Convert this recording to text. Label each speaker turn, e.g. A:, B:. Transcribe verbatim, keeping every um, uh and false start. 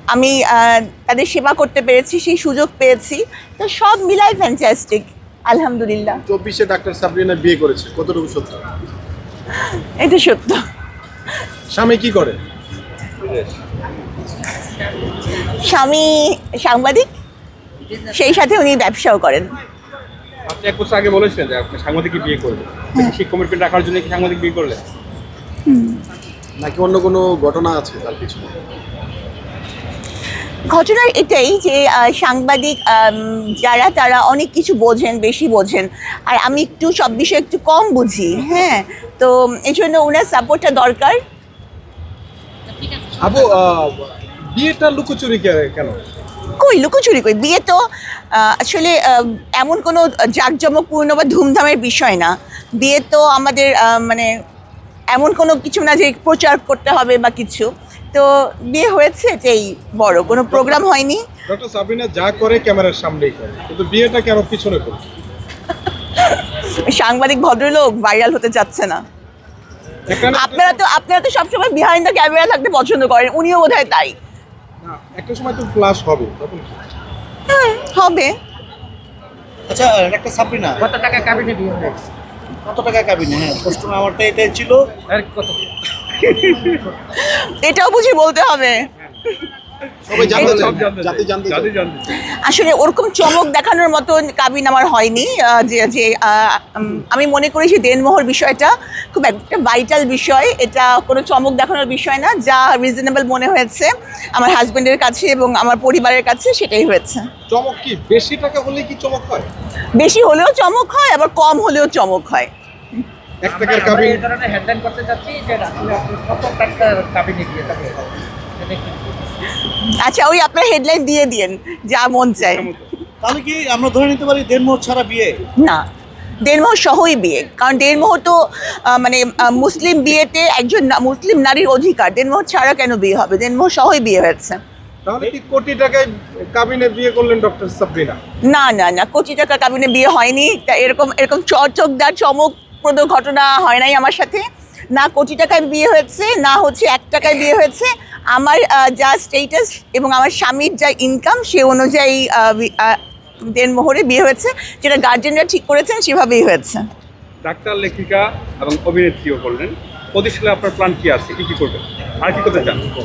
A: আমি তাদের সেবা করতে পেরেছি, সেই সুযোগ পেয়েছি, তো সব মিলাই ফ্যান্টাস্টিক আলহামদুলিল্লাহ।
B: চব্বিশে ডাক্তার সাবরিনা বিয়ে করেছে, কতটুকু সত্য?
A: এটা সত্য।
B: স্বামী কি করে?
A: স্বামী সাংবাদিক, সেই সাথে উনি ব্যবসাও করেন।
C: আপনি এক বছর আগে বলেছিলেন যে আপনি সাংবাদিককে বিয়ে করবেন, সেই কমিটমেন্ট রাখার জন্য কি সাংবাদিক বিয়ে করলেন
B: নাকি অন্য কোনো ঘটনা আছে তার পিছনে?
A: ঘটনা এটাই যে সাংবাদিক যারা তারা অনেক কিছু বোঝেন, বেশি বোঝেন, আর আমি একটু সব বিষয়ে একটু কম বুঝি। হ্যাঁ, তো এই জন্য ওনার সাপোর্টটা দরকার।
B: আবু, বিয়েটা লুকোচুরি কেন?
A: কই লুকোচুরি কই, বিয়ে তো আসলে এমন কোনো জাঁকজমকপূর্ণ বা ধুমধামের বিষয় না। বিয়ে তো আমাদের মানে এমন কোনো কিছু না যে প্রচার করতে হবে বা কিছু, তো বিয়ে হয়েছে এটাই বড়, কোনো প্রোগ্রাম হয়নি।
B: ডক্টর সাবরিনা যা করে ক্যামেরার সামনেই করে, কিন্তু বিয়েটা কেন পিছনে করে?
A: সাংবাদিক ভদ্রলোক ভাইরাল হতে চাচ্ছে না। আপনারা তো আপনারা তো সবসময় বিহাইন্ড দ্য ক্যামেরা থাকতে পছন্দ করেন, উনিও বোধহয় তাই।
B: একটা সময় তো ফ্লাশ হবে, তখন কি
A: হবে?
D: আচ্ছা ডাক্তার সাবরিনা,
C: কত টাকা কাবিনে বিয়ে হবে?
D: কত টাকা কাবিনে? হ্যাঁ, প্রশ্ন আমারটা এটাই ছিল।
C: কত?
A: এটাও বুঝি বলতে হবে?
B: সবাই জানতে চায়, জাতি জানতে চায়।
A: আসলে ওরকম চমক দেখানোর মতো কাবিন আমার হয়নি। যে যে আমি মনে করি যে দেনমোহর বিষয়টা খুব একটা ভাইটাল বিষয়, এটা কোনো চমক দেখানোর বিষয় না। যা রিজনেবল মনে হয়েছে আমার হাজবেন্ডের কাছে এবং আমার পরিবারের কাছে, সেটাই হয়েছে।
B: চমক কি বেশি টাকা হলে কি চমক হয়?
A: বেশি হলেও চমক হয়, আবার কম হলেও চমক হয়।
B: এক টাকার কাবিন
C: এই ধরনের হেডলাইন করতে যাচ্ছি যে আসলে আপনি কত টাকা কাবিনে বিয়ে থাকে।
A: আচ্ছা, ওই আপনার হেডলাইন দিয়ে দিন, যা মন চায়।
D: তাহলে কি আমরা ধরে নিতে পারি দেড়মোহর ছাড়া বিয়ে?
A: না, দেড়মোহর সহই বিয়ে, কারণ দেড়মোহর তো মানে মুসলিম বিয়েতে একজন মুসলিম নারীর অধিকার। দেড়মোহর ছাড়া কেন বিয়ে হবে? দেড়মোহর সহই বিয়ে হয়েছে।
B: তাহলে কি কোটি টাকায় কাবিনে বিয়ে করলেন ডক্টর সাবরিনা?
A: না না না, কোটি টাকা কাবিনে বিয়ে হয়নি। তা এরকম এরকম চকচকদার চমকপ্রদ ঘটনা হয় নাই আমার সাথে। না কোটি টাকায় বিয়ে হয়েছে, না হচ্ছে এক টাকায় বিয়ে হয়েছে। আমার যা স্টেটাস এবং আমার স্বামীর যা ইনকাম, সে অনুযায়ী দেনমোহরে বিয়ে হয়েছে, যেটা গার্জেনরা ঠিক করেছেন সেভাবেই হয়েছে।
C: ডাক্তার, লেখিকা এবং অভিনেত্রীও করলেন। ভবিষ্যতে আপনার প্ল্যান কি আছে? কি কি করবেন আর কি করতে চান?